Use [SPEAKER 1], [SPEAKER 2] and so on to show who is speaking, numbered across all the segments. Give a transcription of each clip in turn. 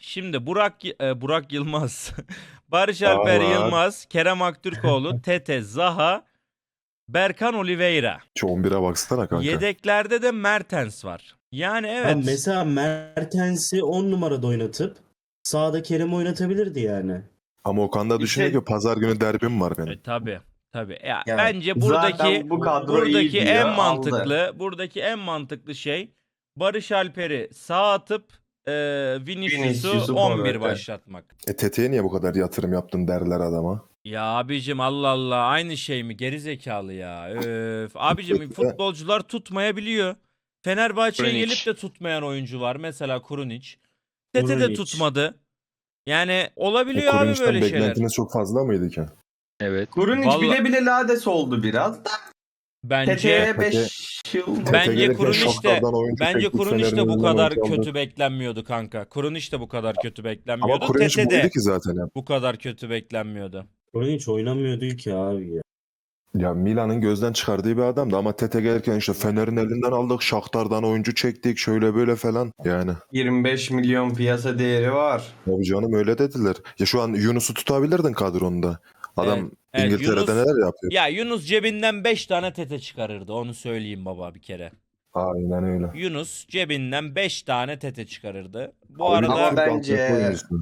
[SPEAKER 1] Şimdi Burak Yılmaz, Barış Alper
[SPEAKER 2] Var.
[SPEAKER 1] Yılmaz, Kerem Aktürkoğlu, Tete, Zaha, Berkan Oliveira.
[SPEAKER 2] Şu 11'e baksana kanka.
[SPEAKER 1] Yedeklerde de Mertens var. Yani
[SPEAKER 3] Ha,
[SPEAKER 1] evet.
[SPEAKER 3] mesela Mertens'i 10 numarada oynatıp sağda Kerem oynatabilirdi yani.
[SPEAKER 2] Ama Okan da düşünüyor ki pazar günü derbim var benim.
[SPEAKER 1] Tabii. Tabii. Ya,
[SPEAKER 4] Yani
[SPEAKER 1] bence
[SPEAKER 4] zaten bu kadro iyi diyor,
[SPEAKER 1] en
[SPEAKER 4] aldı.
[SPEAKER 1] buradaki en mantıklı şey Barış Alper'i sağ atıp Vinicius'u
[SPEAKER 4] Vinicius'u
[SPEAKER 1] 11
[SPEAKER 4] forvete.
[SPEAKER 1] başlatmak.
[SPEAKER 2] Tete'ye niye bu kadar yatırım yaptın derler adama.
[SPEAKER 1] Ya abicim Allah Allah aynı şey mi? Geri zekalı ya. Öf. Abicim futbolcular tutmayabiliyor. Fenerbahçe'ye
[SPEAKER 4] Krunic.
[SPEAKER 1] gelip de tutmayan oyuncu var. Mesela Krunic. Tete de
[SPEAKER 3] Krunic.
[SPEAKER 1] tutmadı. Yani olabiliyor abi
[SPEAKER 2] Kurunç'tan
[SPEAKER 1] böyle şeyler.
[SPEAKER 2] beklentiniz çok fazla mıydı ki?
[SPEAKER 5] Evet.
[SPEAKER 4] Kurunic
[SPEAKER 1] Vallahi-
[SPEAKER 4] bile bile lades oldu biraz da.
[SPEAKER 1] Bence
[SPEAKER 4] Tete'ye 5 yıl.
[SPEAKER 2] Tete
[SPEAKER 1] Bence
[SPEAKER 2] gelirken
[SPEAKER 1] Krunic de
[SPEAKER 2] Shakhtar'dan oyuncu
[SPEAKER 1] bence
[SPEAKER 2] çektik,
[SPEAKER 1] Krunic de
[SPEAKER 2] Fener'in
[SPEAKER 1] bu
[SPEAKER 2] önünden
[SPEAKER 1] kadar
[SPEAKER 2] oyuncu aldık.
[SPEAKER 1] kötü beklenmiyordu kanka. Krunic de bu kadar kötü
[SPEAKER 2] Ama
[SPEAKER 1] beklenmiyordu.
[SPEAKER 2] Kurunç
[SPEAKER 1] Tete
[SPEAKER 2] buydu
[SPEAKER 1] de
[SPEAKER 2] ki zaten ya.
[SPEAKER 1] bu kadar kötü beklenmiyordu.
[SPEAKER 3] Krunic oynamıyordu ki abi ya.
[SPEAKER 2] Ya Milan'ın gözden çıkardığı bir adamdı ama Tete gelirken işte Fener'in elinden aldık, Shakhtar'dan oyuncu çektik, şöyle böyle falan. Yani
[SPEAKER 4] 25 milyon piyasa değeri var.
[SPEAKER 2] tabii canım öyle dediler. Ya şu an Yunus'u tutabilirdin kadronda. Adam
[SPEAKER 1] Evet,
[SPEAKER 2] İngiltere'de
[SPEAKER 1] Yunus-
[SPEAKER 2] neler yapıyor.
[SPEAKER 1] Ya Yunus cebinden 5 tane Tete çıkarırdı. Onu söyleyeyim baba bir kere.
[SPEAKER 2] Aynen öyle.
[SPEAKER 1] Yunus cebinden 5 tane Tete çıkarırdı. Bu
[SPEAKER 2] Oyuncu
[SPEAKER 1] arada
[SPEAKER 4] Ama
[SPEAKER 2] Türk
[SPEAKER 4] bence-
[SPEAKER 2] altyapı oyuncusu.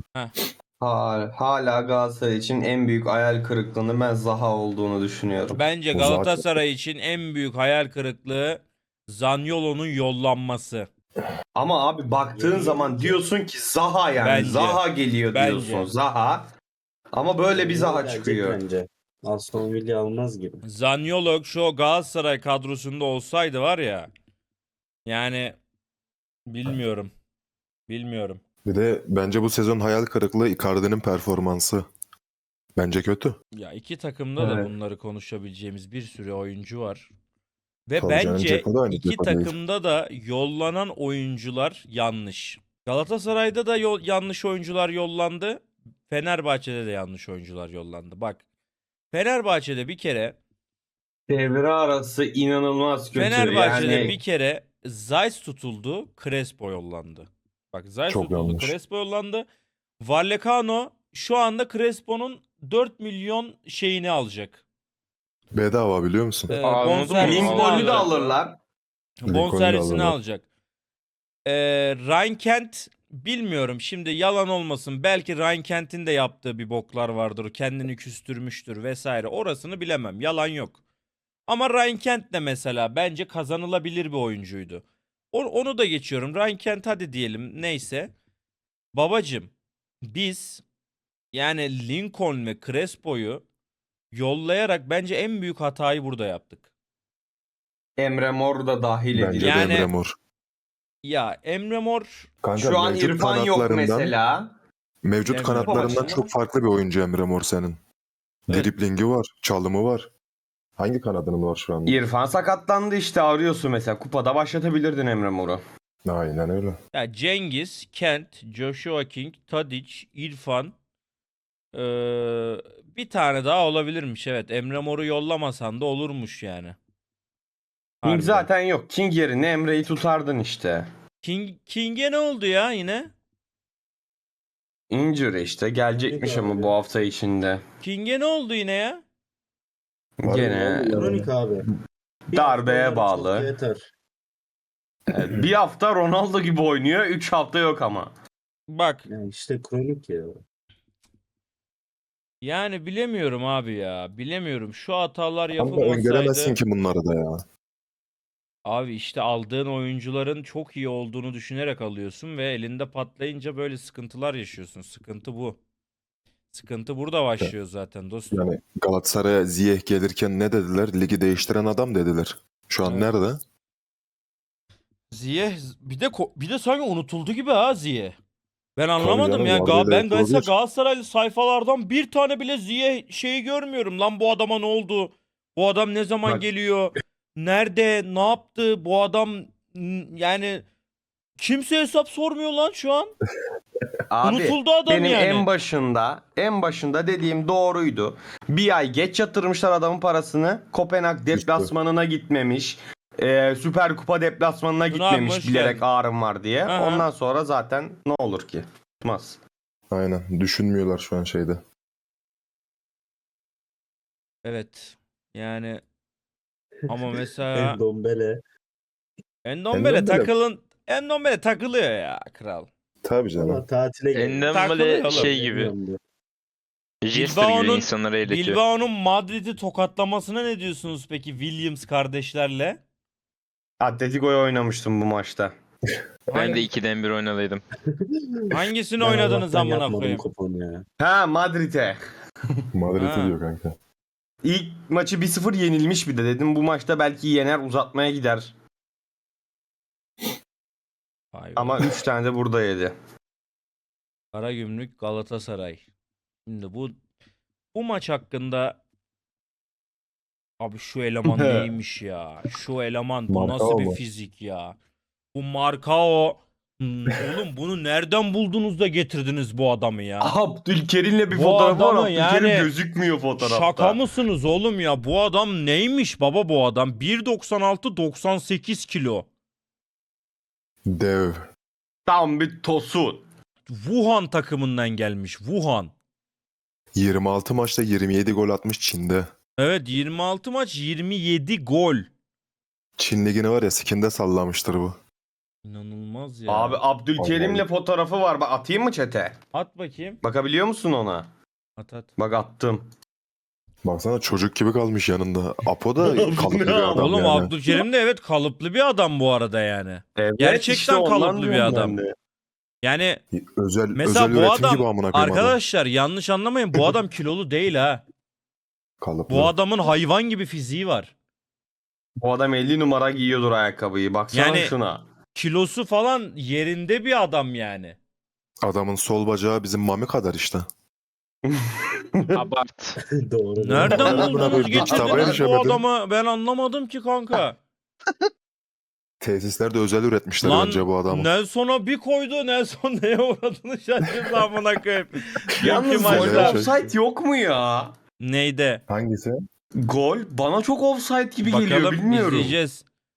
[SPEAKER 4] Hala Galatasaray için en büyük hayal kırıklığının ben Zaha olduğunu düşünüyorum.
[SPEAKER 1] bence
[SPEAKER 2] O
[SPEAKER 1] Galatasaray için en büyük hayal kırıklığı Zaniolo'nun yollanması.
[SPEAKER 4] Ama abi baktığın
[SPEAKER 3] Yemin
[SPEAKER 4] zaman
[SPEAKER 3] ediyorum.
[SPEAKER 4] diyorsun ki Zaha yani.
[SPEAKER 1] Bence.
[SPEAKER 4] Zaha geliyor
[SPEAKER 1] Bence.
[SPEAKER 4] diyorsun. Zaha. Ama böyle bir Zaha
[SPEAKER 3] Gelecek
[SPEAKER 4] çıkıyor.
[SPEAKER 3] Bence. Aston Villa almaz gibi.
[SPEAKER 1] Zaniolo şu Galatasaray kadrosunda olsaydı var ya. Yani bilmiyorum. Bilmiyorum.
[SPEAKER 2] Bir de bence bu sezon hayal kırıklığı Icardi'nin performansı. Bence kötü.
[SPEAKER 1] Ya iki takımda da
[SPEAKER 4] Evet.
[SPEAKER 1] bunları konuşabileceğimiz bir sürü oyuncu var. Ve
[SPEAKER 2] Tabii canım,
[SPEAKER 1] bence
[SPEAKER 2] Dzeko da aynı
[SPEAKER 1] iki
[SPEAKER 2] Dzeko değil.
[SPEAKER 1] takımda da yollanan oyuncular yanlış. Galatasaray'da da yanlış oyuncular yollandı. Fenerbahçe'de de yanlış oyuncular yollandı. Bak Fenerbahçe'de bir kere
[SPEAKER 4] Devre arası inanılmaz kötü.
[SPEAKER 1] Fenerbahçe'de
[SPEAKER 4] yani
[SPEAKER 1] bir kere Zeiss tutuldu, Crespo yollandı. Bak Zeiss
[SPEAKER 2] Çok
[SPEAKER 1] tutuldu,
[SPEAKER 2] yanlış.
[SPEAKER 1] Crespo yollandı. Vallecano şu anda Crespo'nun 4 milyon şeyini alacak.
[SPEAKER 2] Bedava biliyor musun?
[SPEAKER 5] Anladım.
[SPEAKER 1] Bonservisini
[SPEAKER 4] Lincoln'u da
[SPEAKER 1] alacak.
[SPEAKER 4] alırlar.
[SPEAKER 1] Bonservisini
[SPEAKER 2] alırlar.
[SPEAKER 1] alacak. Ryan Kent bilmiyorum şimdi yalan olmasın. Belki Ryan Kent'in de yaptığı bir boklar vardır. Kendini küstürmüştür vesaire. Orasını bilemem. Yalan yok. Ama Ryan Kent de mesela bence kazanılabilir bir oyuncuydu. Onu da geçiyorum. Ryan Kent hadi diyelim neyse. Babacım biz yani Lincoln ve Crespo'yu yollayarak bence en büyük hatayı burada yaptık.
[SPEAKER 4] Emre Mor da dahil
[SPEAKER 2] Bence
[SPEAKER 4] edilir.
[SPEAKER 1] Yani-
[SPEAKER 2] de Emre Mor.
[SPEAKER 1] Ya Emre Mor
[SPEAKER 2] Kanka,
[SPEAKER 4] Şu an
[SPEAKER 2] mevcut
[SPEAKER 4] İrfan yok
[SPEAKER 2] kanatlarından-
[SPEAKER 4] mesela.
[SPEAKER 2] Mevcut
[SPEAKER 1] Emre
[SPEAKER 2] kanatlarından
[SPEAKER 4] Mor.
[SPEAKER 2] çok farklı bir oyuncu Emre Mor senin.
[SPEAKER 1] Evet.
[SPEAKER 2] Driblingi var, çalımı var. Hangi kanadının var şu anda?
[SPEAKER 4] İrfan sakatlandı işte arıyorsun mesela. Kupada başlatabilirdin Emre Mor'u.
[SPEAKER 2] Aynen öyle.
[SPEAKER 1] ya Cengiz, Kent, Joshua King, Tadic, İrfan bir tane daha olabilirmiş. Evet Emre Mor'u yollamasan da olurmuş yani.
[SPEAKER 4] King
[SPEAKER 1] Harbiden.
[SPEAKER 4] zaten yok. King yerine Emre'yi tutardın işte.
[SPEAKER 1] King'e ne oldu ya yine?
[SPEAKER 4] Injury işte. Gelecekmiş
[SPEAKER 3] Peki
[SPEAKER 4] ama
[SPEAKER 3] abi.
[SPEAKER 4] bu hafta içinde.
[SPEAKER 1] King'e ne oldu yine ya?
[SPEAKER 2] Var
[SPEAKER 4] Gene
[SPEAKER 2] mı?
[SPEAKER 3] Kronik abi. Bir
[SPEAKER 4] Darbeye
[SPEAKER 3] hafta
[SPEAKER 4] bağlı.
[SPEAKER 3] çok yeter.
[SPEAKER 4] bir hafta Ronaldo gibi oynuyor. 3 hafta yok ama.
[SPEAKER 1] Bak
[SPEAKER 3] Yani işte kronik ya.
[SPEAKER 1] yani bilemiyorum abi ya. Bilemiyorum. Şu hatalar
[SPEAKER 2] Kanka öngöremezsin
[SPEAKER 1] yapılmasaydı.
[SPEAKER 2] ki bunları da ya.
[SPEAKER 1] Abi işte aldığın oyuncuların çok iyi olduğunu düşünerek alıyorsun ve elinde patlayınca böyle sıkıntılar yaşıyorsun. Sıkıntı bu. Sıkıntı burada başlıyor zaten dostum.
[SPEAKER 2] Yani Galatasaray'a Ziyech gelirken ne dediler? Ligi değiştiren adam dediler. Şu an
[SPEAKER 1] Evet.
[SPEAKER 2] nerede?
[SPEAKER 1] Ziyech bir de sanki unutuldu gibi ha Ziyech. Ben anlamadım
[SPEAKER 2] canım,
[SPEAKER 1] ya.
[SPEAKER 2] vardı
[SPEAKER 1] Ben
[SPEAKER 2] öyle
[SPEAKER 1] mesela
[SPEAKER 2] olabilir.
[SPEAKER 1] Galatasaraylı sayfalardan bir tane bile Ziyech şeyi görmüyorum. Lan bu adama ne oldu? Bu adam ne zaman
[SPEAKER 4] Bak-
[SPEAKER 1] geliyor? Nerede? Ne yaptı? Bu adam yani kimse hesap sormuyor lan şu an.
[SPEAKER 4] Abi
[SPEAKER 1] Unutuldu adam
[SPEAKER 4] benim
[SPEAKER 1] yani.
[SPEAKER 4] en başında dediğim doğruydu. Bir ay geç yatırmışlar adamın parasını. Kopenhag deplasmanına gitmemiş. Süper Kupa deplasmanına
[SPEAKER 1] Tuna abi,
[SPEAKER 4] gitmemiş
[SPEAKER 1] hoş
[SPEAKER 4] bilerek
[SPEAKER 1] geldin.
[SPEAKER 4] ağrım var diye.
[SPEAKER 1] Aha.
[SPEAKER 4] Ondan sonra zaten ne olur ki? tutmaz.
[SPEAKER 2] Aynen. Düşünmüyorlar şu an şeyde.
[SPEAKER 1] Evet. Yani ama mesela
[SPEAKER 3] Endombele.
[SPEAKER 1] Endombele
[SPEAKER 2] Endombele-
[SPEAKER 1] Endombele takılıyor ya kral.
[SPEAKER 2] Tabii canım.
[SPEAKER 3] Valla tatile geliyor.
[SPEAKER 1] Takılıyor
[SPEAKER 5] Endombele
[SPEAKER 1] oğlum.
[SPEAKER 5] şey gibi.
[SPEAKER 3] Bilmiyorum diyor.
[SPEAKER 5] Jester gibi insanları eğletiyor.
[SPEAKER 1] Bilbao'nun Madrid'i tokatlamasına ne diyorsunuz peki Williams kardeşlerle?
[SPEAKER 4] Atletico'ya oynamıştım bu maçta.
[SPEAKER 5] Ben de 2'den 1 oynadıydım.
[SPEAKER 1] Hangisini
[SPEAKER 3] Ben
[SPEAKER 1] oynadınız
[SPEAKER 3] Allah'tan
[SPEAKER 1] amına
[SPEAKER 3] yapmadım
[SPEAKER 1] koyayım?
[SPEAKER 3] kuponu ya.
[SPEAKER 4] Ha, Madrid'e.
[SPEAKER 2] Madrid'i
[SPEAKER 1] Ha.
[SPEAKER 2] diyor kanka.
[SPEAKER 4] İlk maçı 1-0 yenilmiş bir de. Dedim bu maçta belki yener, uzatmaya gider.
[SPEAKER 1] Vay be.
[SPEAKER 4] Ama 3 tane de burada yedi.
[SPEAKER 1] Karagümrük Galatasaray. Şimdi bu maç hakkında abi şu eleman neymiş ya? Şu eleman bu nasıl
[SPEAKER 2] Marcao
[SPEAKER 1] bir
[SPEAKER 2] mu?
[SPEAKER 1] fizik ya? Bu Marcao. Oğlum bunu nereden buldunuz da getirdiniz bu adamı ya?
[SPEAKER 4] Abdülkerim'le bir
[SPEAKER 1] Bu
[SPEAKER 4] fotoğrafı var.
[SPEAKER 1] adamı
[SPEAKER 4] Abdülkerim
[SPEAKER 1] yani
[SPEAKER 4] gözükmüyor fotoğrafta.
[SPEAKER 1] Şaka mısınız oğlum ya? Bu adam neymiş baba bu adam? 1.96 98 kilo.
[SPEAKER 2] Dev.
[SPEAKER 4] Tam bir tosun.
[SPEAKER 1] Wuhan takımından gelmiş. Wuhan.
[SPEAKER 2] 26 maçta 27 gol atmış Çin'de.
[SPEAKER 1] Evet 26 maç 27 gol.
[SPEAKER 2] Çin ligini var ya sikinde sallamıştır bu.
[SPEAKER 1] İnanılmaz ya.
[SPEAKER 4] Abi Abdülkerim'le
[SPEAKER 2] Vallahi.
[SPEAKER 4] fotoğrafı var. Bak atayım mı chat'e?
[SPEAKER 1] At bakayım.
[SPEAKER 4] Bakabiliyor musun ona?
[SPEAKER 1] At.
[SPEAKER 4] Bak attım.
[SPEAKER 2] Baksana çocuk gibi kalmış yanında. Apo da
[SPEAKER 4] Bu
[SPEAKER 2] kalıplı
[SPEAKER 4] ne
[SPEAKER 2] bir adam
[SPEAKER 1] Oğlum
[SPEAKER 2] yani.
[SPEAKER 1] Abdülkerim de evet kalıplı bir adam bu arada yani.
[SPEAKER 4] Evet,
[SPEAKER 1] Gerçekten
[SPEAKER 4] ondan
[SPEAKER 1] kalıplı bir
[SPEAKER 4] diyorum
[SPEAKER 1] adam.
[SPEAKER 4] ben de.
[SPEAKER 1] Yani
[SPEAKER 2] Özel
[SPEAKER 1] mesela bu
[SPEAKER 2] üretim
[SPEAKER 1] adam
[SPEAKER 2] gibi amına koyayım adam.
[SPEAKER 1] arkadaşlar yanlış anlamayın bu adam kilolu değil ha.
[SPEAKER 2] Kalıplı.
[SPEAKER 1] Bu adamın hayvan gibi fiziği var.
[SPEAKER 4] Bu adam 50 numara giyiyordur ayakkabıyı. Baksana
[SPEAKER 1] Yani-
[SPEAKER 4] şuna.
[SPEAKER 1] Kilosu falan yerinde bir adam yani.
[SPEAKER 2] Adamın sol bacağı bizim Mami kadar işte.
[SPEAKER 5] Abart.
[SPEAKER 3] Doğru.
[SPEAKER 1] Nereden
[SPEAKER 2] Amına
[SPEAKER 1] buldunuz
[SPEAKER 2] koyayım, kitaba
[SPEAKER 1] getirdiniz bu
[SPEAKER 2] erişemedim.
[SPEAKER 1] adamı? Ben anlamadım ki kanka.
[SPEAKER 2] Tesislerde özel üretmişler
[SPEAKER 1] Lan
[SPEAKER 2] bence bu adamı.
[SPEAKER 1] Nelson'a bir koydu. Nelson neye uğradığını şaşırdı amına koyayım.
[SPEAKER 4] Yalnız
[SPEAKER 1] Dünkü
[SPEAKER 2] maçta-
[SPEAKER 4] golde
[SPEAKER 1] maçta.
[SPEAKER 4] offside yok mu ya?
[SPEAKER 1] Neyde?
[SPEAKER 2] Hangisi?
[SPEAKER 4] Gol bana çok offside gibi geliyor,
[SPEAKER 1] Bakalım
[SPEAKER 4] bilmiyorum.
[SPEAKER 1] izleyeceğiz.